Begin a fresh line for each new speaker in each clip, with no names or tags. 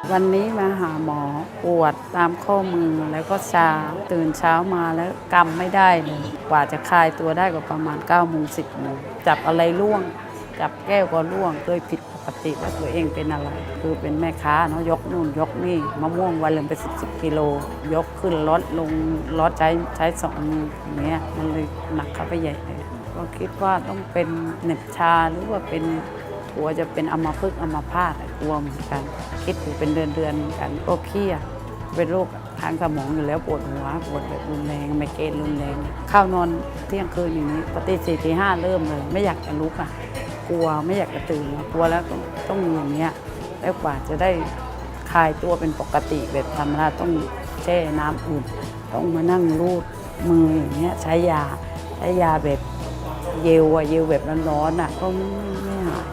วันนี้มาหาหมอปวดตามข้อมือแล้วก็ชาตื่นเช้ามาแล้วกำไม่ได้เลยกว่าจะคลายตัวได้ก็ประมาณ9 โมง 10 โมงจับอะไรล่วงจับแก้วก็ล่วงโดยผิดปกติว่าตัวเองเป็นอะไรคือเป็นแม่ค้าเนาะยกนู่นยกนี่มะม่วงวันละเป็น10 กิโลยกขึ้นรถลงรถใช้2 มืออย่างเงี้ยมันเลยหนักเข้าไปใหญ่เลยก็คิดว่าต้องเป็นเหน็บชาหรือว่าเป็นกลัวจะเป็นอัมพฤกษ์อัมพาตกลัวเหมือนกันคิดอยู่เป็นเดือนเหมือนกันก็เครียดเป็นโรคทางสมองอยู่แล้วปวดหัวปวดแบบรุนแรงไมเกรนรุนแรงเข้านอนเที่ยงคืนอย่างนี้ปกติ4 ตี 5เริ่มเลยไม่อยากจะลุกกลัวไม่อยากจะตื่นกลัวแล้วต้องอย่างเงี้ยแล้วกว่าจะได้คลายตัวเป็นปกติแบบธรรมดาต้องแช่น้ำอุ่นต้องมานั่งรูดมืออย่างเงี้ยใช้ยาแบบเยลแบบร้อนๆก็ไม่หาย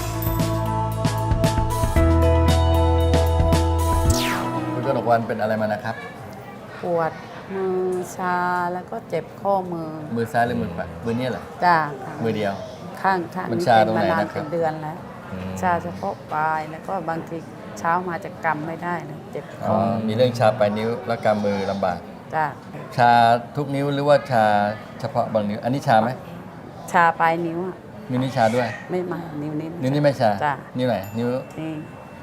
คุณกนกวรรณเป็นอะไรมานะครับ
ปวดมือชาแล้วก็เจ็บข้อมือ
ซ้ายหรือมือขวามือนี่เหรอ
จ้า
มือเดียว
ข้าง
มัน
นี้
ชาต
เป็
รงไหน
นมานาน
นะครับ
เป็นเดือนแล้วชาเฉพาะปลายแล้วก็บางทีเช้ามาจะกำไม่ได้เลยเจ็บข้อ
มีเรื่องชาปลายนิ้วและกำมือลำบาก
จ้า
ชาทุกนิ้วหรือว่าชาเฉพาะบางนิ้วอันนี้ชาไหม
ชาปลายนิ้ว
นิ้วนี้ชาด้วย
ไม่มานิ้ว
นี้ไม่ชา
จ้า
นิ้วไหนนิ้ว
นี่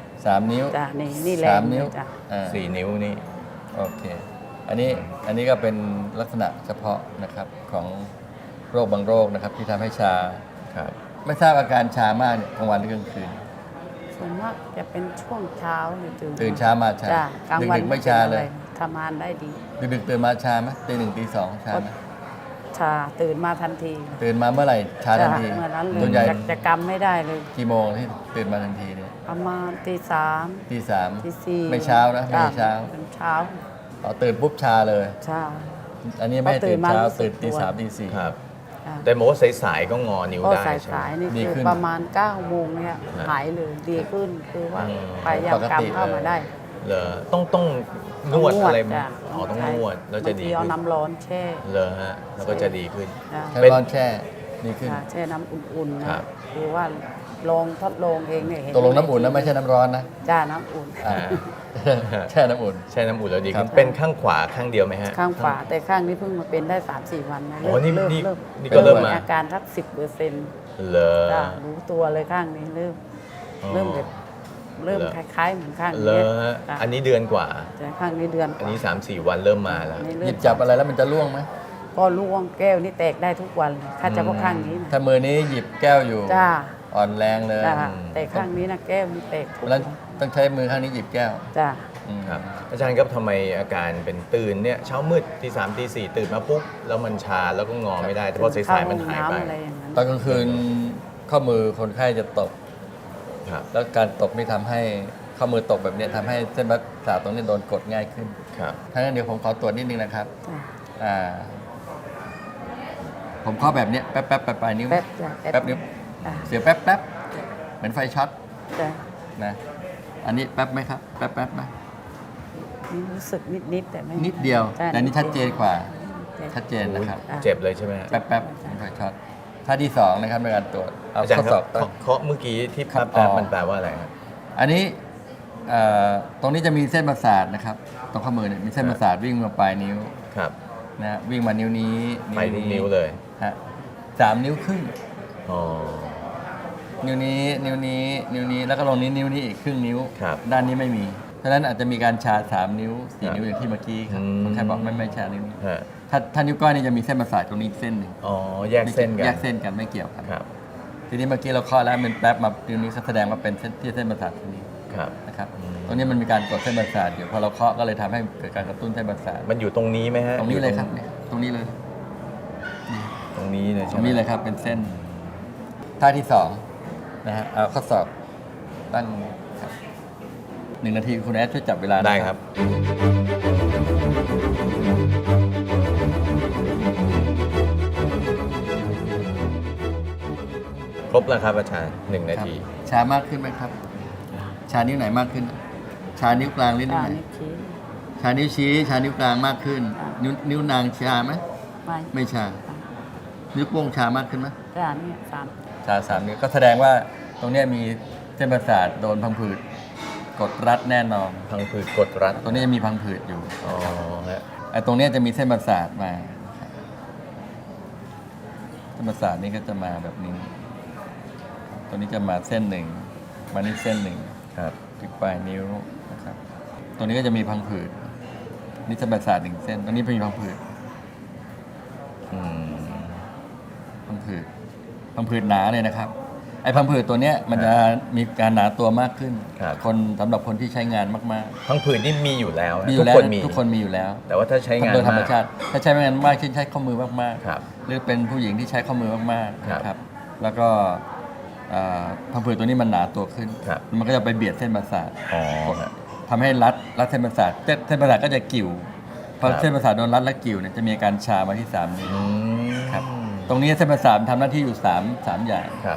3 นิ้ว
จ้านี่แรง
3 นิ้ว
4 นิ้วนี่
โอเคอันนี้ก็เป็นลักษณะเฉพาะนะครับของโรคบางโรคนะครับที่ทำให้ชา
ครับ
ไม่ทราบอาการชามากเนี่ยกลางวันหรือกลางคืน
ส่วนมากจะเป็นช่วงเช้าหรือ
ตื่นเช้ามาชาดึกไม่ชาเลย
ทำงานได้ดี
ดึกตื่นมาชาไหมตี 1 ตี 2ชาไหม
ชาตื่นมาทันที
ตื่นมาเมื่อไหร่ชาทันที
เมื่อนั้น
ส่วนใหญ่
จะกำไม่ได้เลย
กี่โมงที่ตื่นมาทันทีเนี่ย
ประมาณตี 3
ตี 3
ตี 4
ไม่เช้านะไม่เช้า
เป็นเช้า
ตื่นปุ๊บชาเลย
ชา
อันนี้ไม่ตื่นเช้าตื่นตี 3 ตี 4
ครับแต่บอกว่าสายๆก็งอนิ้วได้ใช่ไหม
สายๆนี่คือประมาณ9 โมงเนี่ยหายเลยดีขึ้นคือว่าพยายามกำเข้ามาได้
เหรอต้องนวดอะไรต้องนวดแล้วจะดี
ขึ้นเอาน้ำร้อนแช่
เหรอฮะแล้วก็จะดีขึ้น
ใช้ร้อนแช่ดีขึ้น
แช่น้ำอุ่นๆนะคือว่าทดลองเองเนี่ยเห็น
ตกลงน้ำอุ่นนะไม่ใช่น้ำร้อนนะ
จ้าน้ำอุ่น
แช่น้ำอุ่น
แล้วดีขึ้นเป็นข้างขวาข้างเดียวไหมฮะ
ข้างขวาแต่ข้างนี้เพิ่งมาเป็นได้ 3-4 วันนะ
นี่ก็เริ่มมา
อาการสัก 10%
เหรอ
รู้ตัวเลยข้างนี้เริ่มแบบเริ่มคล้ายๆเหมือนข้างนี้
อันนี้เดือนกว่า
แต่ข้างนี้เดือน
อันนี้ 3-4 วันเริ่มมาแล้ว
หยิบจับอะไรแล้วมันจะร่วงไหม
ก็ร่วงแก้วนี่แตกได้ทุกวันเลยถ้าเฉพาะข้างนี้
ถ้ามือนี้หยิบแก้วอยู่
จ้า
อ่อนแรงเลย
แต่ข้างนี้นะแก้วนี่แตก
แล้วต้องใช้มือข้างนี้หยิบแก้ว
จ้า
ครับอาจารย์ครับทำไมอาการเป็นตื่นเนี่ยเช้ามืดตี 3 ตี 4ตื่นมาปุ๊บแล้วมันชาแล้วก็งอไม่ได้แต่พอสายๆมันหายไป
ตอนกลางคืนข้อมือคนไข้จะตกแล้วการตกนี่ทำให้ข้อมือตกแบบนี้ทำให้เส้นประสาทตรงนี้โดนกดง่ายขึ้นถ้างั้นเดี๋ยวผมขอตรวจนิดนึงนะครับผมข้อแบบนี้แป๊บปลายนิ้วแป๊บนิ้วเสียแป๊บเหมือนไฟช็อตนะอันนี้แป๊บไหมครับแป๊บไหม
รู้สึกนิดแต่ไม่
นิดเดียวแต่นี่ชัดเจนกว่าชัดเจนนะครับ
เจ็บเลยใช่ไหม
แป๊บเหมือนไฟช็อตท่าที่2นะครับในการตรวจ
อาจารย์ครับเคาะเมื่อกี้ที่แป๊บมันแปลว่าอะไรครับ
อันนี้ตรงนี้จะมีเส้นประสาทนะครับตรงข้อมือเนี่ยมีเส้นประสาทวิ่งมาปลายนิ้วนะวิ่งมานิ้วนี้
ไปทุกนิ้วเลย
ฮะ3 นิ้วครึ่งนิ้วนี้แล้วก็ลงนิ้วนี้อีกครึ่งนิ้วด้านนี้ไม่มีเพราะฉะนั้นอาจจะมีการชา3 นิ้ว 4 นิ้วอย่างที่เมื่อกี้ครับคนไข้บอกไม่ชานิ้วถ้านิ้วก้อยนี่จะมีเส้นประสาทตรงนี้เส้นหนึ่ง
แยกเส้น
กันไม่เกี่ยวกันทีนี้เมื่อกี้เราเคาะแล้วเป็นแป๊บมานิ้วนี้แสดงว่าเป็นเส้นประสาทตรงนี้นะครับตรงนี้มันมีการกดเส้นประสาทอยู่พอเราเคาะก็เลยทำให้เกิดการกระตุ้นเส้นประสาท
มันอยู่ตรงนี้ไหมฮะ
ตรงนี้เลยครับตรงนี้เลย
ตรงนี้เลยใช่ไหม
ตรงนี้เลยครับเป็นเส้นท่าที่2นะฮะเอาข้อศอกตั้งครับ1 นาทีคุณแอดช่วยจับเวลา
ได้ครับครบแล้วครับอาจารย์1 นาที
ชามากขึ้นไหมครับชานิ้วไหนมากขึ้นชานิ้วกลางหรือนิ้วไหนชานิ้วชี้ชานิ้วกลางมากขึ้นนิ้วนางชาไหมไม่ชานิ้วโป้งชามากขึ้นไหม
ชา
3 นิ้วก็แสดงว่าตรงนี้มีเส้นประสาทโดนพังผืดกดรัดแน่นอน
พังผืดกดรัด
ตรงนี้จะมีพังผืดอยู่
อ๋อฮะ
ไอ้ตรงเนี้ยจะมีเส้นประสาทมานะครับเส้นประสาทนี้ก็จะมาแบบนี้ตัวนี้จะมาเส้นหนึ่งมานี่เส้นหนึ่ง
ครับ
ถึงปลายนิ้วนะครับตัวนี้ก็จะมีพังผืดนี่เส้นประสาทหนึ่งเส้นตรงนี้เป็นพังผืด
อืม
พังผืดหนาเลยนะครับไอ้พังผืดตัวเนี้ยมันจะมีการหนาตัวมากขึ้น
ครับ
คนสำหรับคนที่ใช้งานมาก
พังผืดนี่มีอยู่แล้ว
ๆ
นะ
มีอ
ทุ
ยู่
ก
แล้ว
คนมี
ทุกคนมีอยู่แล้ว
แต่ว่าถ้าใช้งาน
โดยธรรม
มาก
ชาติถ้าใช้งานมากเช่นใช้ข้อมือมาก
ครับ
ๆหรือเป็นผู้หญิงที่ใช้ข้อมือมากๆ
ครับ
นะครับแล้วก็พังผืดตัวนี้มันหนาตัวขึ้น
ครับ
มันก็จะไปเบียดเส้นประสาท
อ๋อฮะ
ทำให้รัดเส้นประสาทเส้นประสาทก็จะกิ่วพอ
ครับ
เส้นประสาทโดนรัดและกิ่วเนี่ยจะมีอาการชามาที่3นิ้ว
อืม
ครับตรงนี้เส้นประสาททำหน้าที่อยู่3อย่าง
ครับ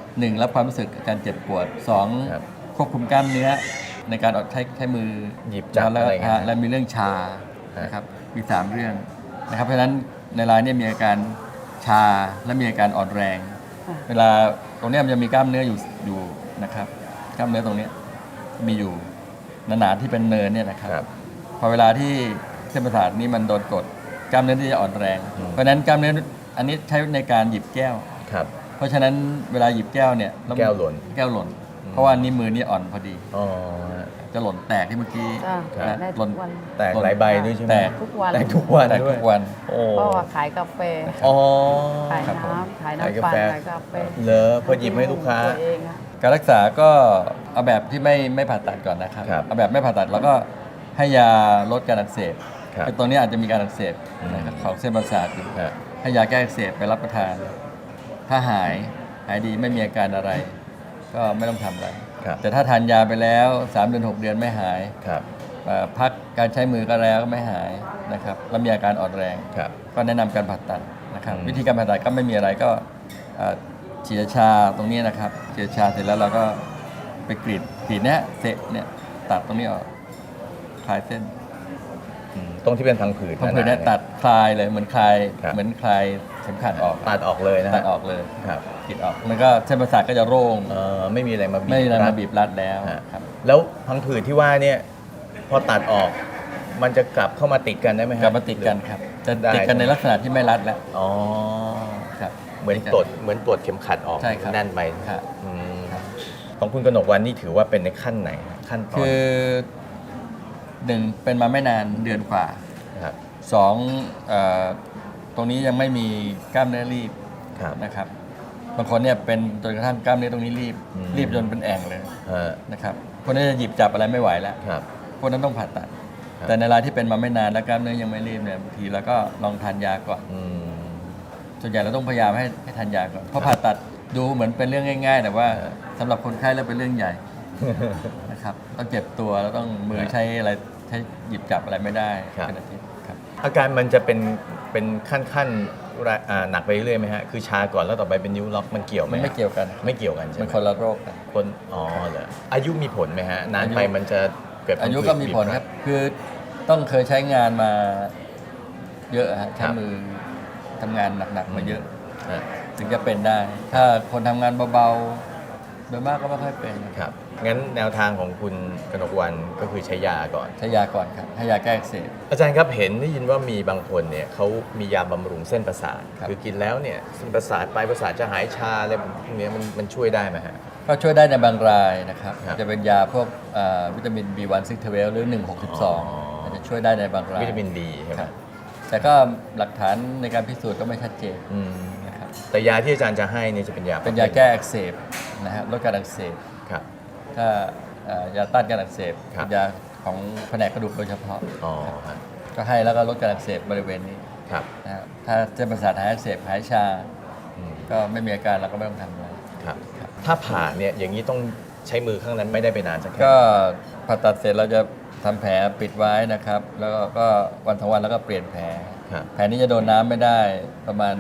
1รับความรู้สึกการเจ็บปวด
ครับ
2ควบคุมกล้ามเนื้อในการใช้มือ
หยิบจับ
แล้ว
อะไรอย่างเงี้ย
และมีเรื่องชา
ครับ
นะครับมี3เรื่องนะครับเพราะฉะนั้นในรายนี้มีอาการชาและมีอาการอ่อนแรง
ค่ะ
เวลาตรงเนี้ยมันจะมีกล้ามเนื้ออยู่นะครับกล้ามเนื้อตรงเนี้ยมีอยู่หนาๆที่เป็นเนินเนี่ยนะครับ
ครับ
พอเวลาที่เส้นประสาทนี้มันโดนกดกล้ามเนื้อที่จะอ่อนแรง
อืม
เพราะฉะนั้นกล้ามเนื้ออันนี้ใช้ในการหยิบแก้ว
ครับ
เพราะฉะนั้นเวลาหยิบแก้วเนี่ย
แก้วหล่น
แก้วหล่น เพราะว่านิ้วมือนี่อ่อนพอดี
อ๋อฮะ
จะหล่นแตกที่เมื่อกี้
จ้ะ
ครับ
ได้
ห
ทุ
ล่น
กวัน
แตกหลายใบด้วยใช่ไหม
แตก
ทุกวัน
แตกทุกวัน
แตก
ด้ว
ทุ
ย
กวัน
โอ้
เพราะว่าขายกาแฟ
อ๋อ
ขาย
ครับผม
น้ำขาย
ขาย
น้ำ
กา
ปั่น
แฟ
ขายกาแฟ
เหรอพอหยิบให้ลูกค้า
ตัวเองอะ
การรักษาก็เอาแบบที่ไม่ผ่าตัดก่อนนะครับ
ครับ
เอาแบบไม่ผ่าตัดแล้วก็ให้ยาลดการอักเสบ
ครับ
คือตรงนี้อาจจะมีการอักเสบนะครับ
อืม
ของเส้นประสาทอยู่
ฮะ
ให้ยาแก้อักเสบไปรับประทาน ถ้าหายดีไม่มีอาการอะไร ก็ไม่ต้องทำอะไร
ครับ
แต่ถ้าทานยาไปแล้ว3เดือน6 เดือนไม่หาย
ครับ
พักการใช้มือก็แล้วก็ไม่หายนะครับแล้วมีอาการอ่อนแรง
ครับ
ก็แนะนำการผ่าตัดนะครับ
อืม
วิธีการผ่าตัดก็ไม่มีอะไรก็ฉีดชาตรงนี้นะครับฉีดชาเสร็จแล้วเราก็ไปกรีดเนี้ยเสร็จเนี่ยตัดตรงนี้ออกคลายเส้น
ตรงที่เป็นพังผืด
พังผืดเนี่ย
หาๆ
ตัดคลายเลยเหมือนคลาย
ครับ
เหมือนคลายเข็มขัดออก
ตัดออกเลยนะฮะ
ตัดออกเลย
ครับ
กรีดออกมันก็เส้นประสาทก็จะโล่ง
ไม่มีอะไรมาบีบ
ไม่มีอะไร
รั
มา
ด
บีบรัดแล้ว
ฮะ
ครับ
แล้วพังผืดที่ว่าเนี่ยพอตัดออก มันจะกลับเข้ามาติดกันได้ไหมฮะ
กลับมาติดกันครับจะติดกันในลักษณะที่ไม่รัดแล้ว
อ๋อ
ครับ
เหมือนปลดเข็มขัดออก
ใช่ครับ
แน่นไป
ครับ
อืมของคุณกนกวันนี่ถือว่าเป็นในขั้นไหนขั้นตอน
คือหนึ่งเป็นมาไม่นานเดือนกว่า
ครับ
สองตรงนี้ยังไม่มีกล้ามเนื้อรีบ
ครับ
นะครับบางคนเนี่ยเป็นจนกระทั่งกล้ามเนื้อตรงนี้รีบ
อืม
รีบจนเป็นแอ่งเลย
ฮะ
นะครับคนนี้จะหยิบจับอะไรไม่ไหวแล้ว
ครับ
พวกนั้นต้องผ่าตัด
ครับ
แต่ในรายที่เป็นมาไม่นานแล้วกล้ามเนื้อยังไม่รีบเนี่ยบางทีเราก็ลองทานยาก่อน
อืม
ส่วนใหญ่เราต้องพยายามให้ทานยาก่อนเพราะผ่าตัดดูเหมือนเป็นเรื่องง่าย ๆ แต่ว่า
ครับ
สำหรับคนไข้แล้วเป็นเรื่องใหญ่นะครับต้องเจ็บตัวแล้วต้องมือใช้อะไรใช้หยิบจับอะไรไม่ได้
ครับ
เป็นอาทิตย์ครับ
อาการมันจะเป็นขั้นหนักไปเรื่อยไหมฮะคือชาก่อนแล้วต่อไปเป็นนิ้วล็อกมันเกี่ยวไหม
มัน
ฮะ
ไม่เกี่ยวกัน
ไม่เกี่ยวกันใช่ไห
มั
ม
นคนละโรคกัน
คนอ๋อเหรออายุมีผลไหมฮะนานไป
อายุ
มันจะเกิด
อายุก็มีผลครับ คือต้องเคยใช้งานมาเยอะฮะใช้มือทำงานหนักๆมาเยอะ
ฮะ
ถึงจะเป็นได้ ถ้าคนทำงานเบาๆโดยมากก็ไม่ค่อยเป็น
ครับงั้นแนวทางของคุณกนกวันก็คือใช้ยาก่อน
ใช้ยาก่อนครับให้ยาแก้อักเสบ
อาจารย์ครับเห็นได้ยินว่ามีบางคนเนี่ยเขามียาบำรุงเส้นประสาท
ครับ
คือกินแล้วเนี่ยเส้นประสาทปลายประสาทจะหายชาอะไรพวกเนี้ยมันช่วยได้ไหมฮะ
ก็ช่วยได้ในบางรายนะครับ
ครับ
จะเป็นยาพวกวิตามิน B1 6 12หรือ 162อาจจะช่วยได้ในบางราย
วิตามินดีใช่ไห
ค
ม
รับแต่ก็หลักฐานในการพิสูจน์ก็ไม่ชัดเจน
อืม
นะครับ
แต่ยาที่อาจารย์จะให้เนี่ยจะเป็นยา
เป็นยาแก้อักเสบนะครับลดการอักเสบ
ครับ
ถ้ายาต้านการอักเสบ
ครับ
เป็นยาของแผนกกระดูกโดยเฉพาะ
อ๋อฮะ
ก็ให้แล้วก็ลดการอักเสบบริเวณนี้
ครับ
นะครับถ้าเส้นประสาทหายอักเสบหายชา
อืม
ก็ไม่มีอาการเราก็ไม่ต้องทำอะไร
ครับถ้าผ่าเนี่ยอย่างนี้ต้องใช้มือข้างนั้นไม่ได้ไปนานสักแค่
ก็ผ่าตัดเสร็จเราจะทำแผลปิดไว้นะครับ แล้วก็วันทั้งวันแล้วก็เปลี่ยนแผล
ครับ
แผลนี้จะโดนน้ำไม่ได้ประมาณ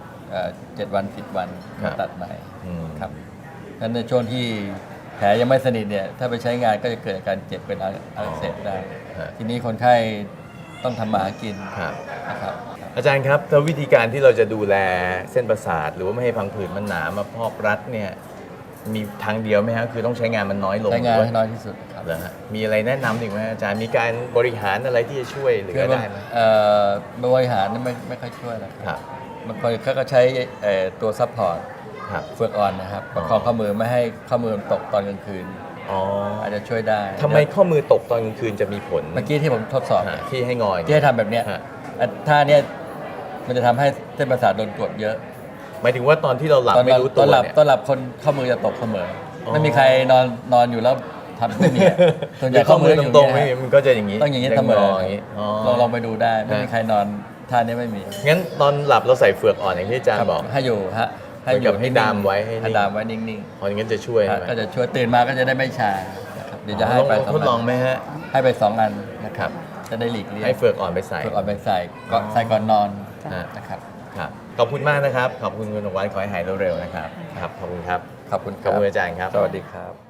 7 วัน 10 วัน
ครับ
ตัดใหม่
อืม
ครับงั้นในช่วงที่แผลยังไม่สนิทเนี่ยถ้าไปใช้งานก็จะเกิดอาการเจ็บเป็นอักเสบได้
ฮะ
ทีนี้คนไข้ต้องทำมาหากิน
ครับ
นะครับ
อาจารย์ครับแล้ววิธีการที่เราจะดูแลเส้นประสาท หรือว่าไม่ให้พังผืดมันหนามาพอกรัดเนี่ยมีทางเดียวไหมฮะคือต้องใช้งานมันน้อยลง
ใช้งาน
หรือ
ให้
ว่า
น้อยที่สุดครับ
เหรอฮะมีอะไรแนะนำอีกไหมอาจารย์มีการบริหารอะไรที่จะช่วยเหลือได้ไหม
บริหารนี่ไม่ค่อยช่วยหรอก
ครับ
บางคนเขาก็ใช้ตัวซัพพอร์ต
ครับ
เฟือกอ่อนนะครับประคองข้อมือไม่ให้ข้อมือตกตอนกลางคืน
อ๋อ
อาจจะช่วยได้
ทำไมข้อมือตกตอนกลางคืนจะมีผล
เมื่อกี้ที่ผมทดสอบ
ฮะที่ให้งอย
ที่ให้ทำแบบเนี้ย
ฮะ
ท่าเนี้ยมันจะทำให้เส้นประสาทโดนกดเยอะ
หมายถึงว่าตอนที่เราหลับไม่รู้
ต
ตั
อ
วน
หลับ
เนี่ย
ตอนหลับคนข้อมือจะตกเสมอ
อ๋อ
ไม่มีใครนอนอยู่แล้วทำไม่มีอะส่วนใหญ่
ข้อมือ
ข้อมืออยู่
ตรงๆ
เนี่
ไม่
ย
มีมันก็จะอย่างนี้
ต้องอย่างนี้เสมอ
อย่างนี้อ๋อ
ลองไปดูได้ไม่มีใครนอนท่านี้ไม่มี
งั้นตอนหลับเราใส่เฟือกอ่อนอย่างที่อาจารย์บอก
ให้อยู่ฮะ
เหมือนกับให้ดามไว้ให้นิ่ง
ให้ดามไว้นิ่ง
พออย่างนั้นจะช่วย
ๆ
ใช่ไหม
ก็จะช่วยตื่นมาก็จะได้ไม่ชานะครับเดี๋ยวจะให้ไป
ทดลองไหมฮะ
ให้ไป2 อันนะครับจะได้หลีกเลี่ยง
ให้เฟือกอ่อนไปใส่
เฟือกอ่อนไปใส่ก็ใส่ก่อนนอน
อ่า
นะครับ
ครับขอบคุณมากนะครับ ขอบคุณคุณหนกวันขอให้หายเร็วๆนะครับครับขอบคุณครับ
ขอบคุณค
ขอบ
รับ
คุณอาจารย์ครับ
สวัสดีครับ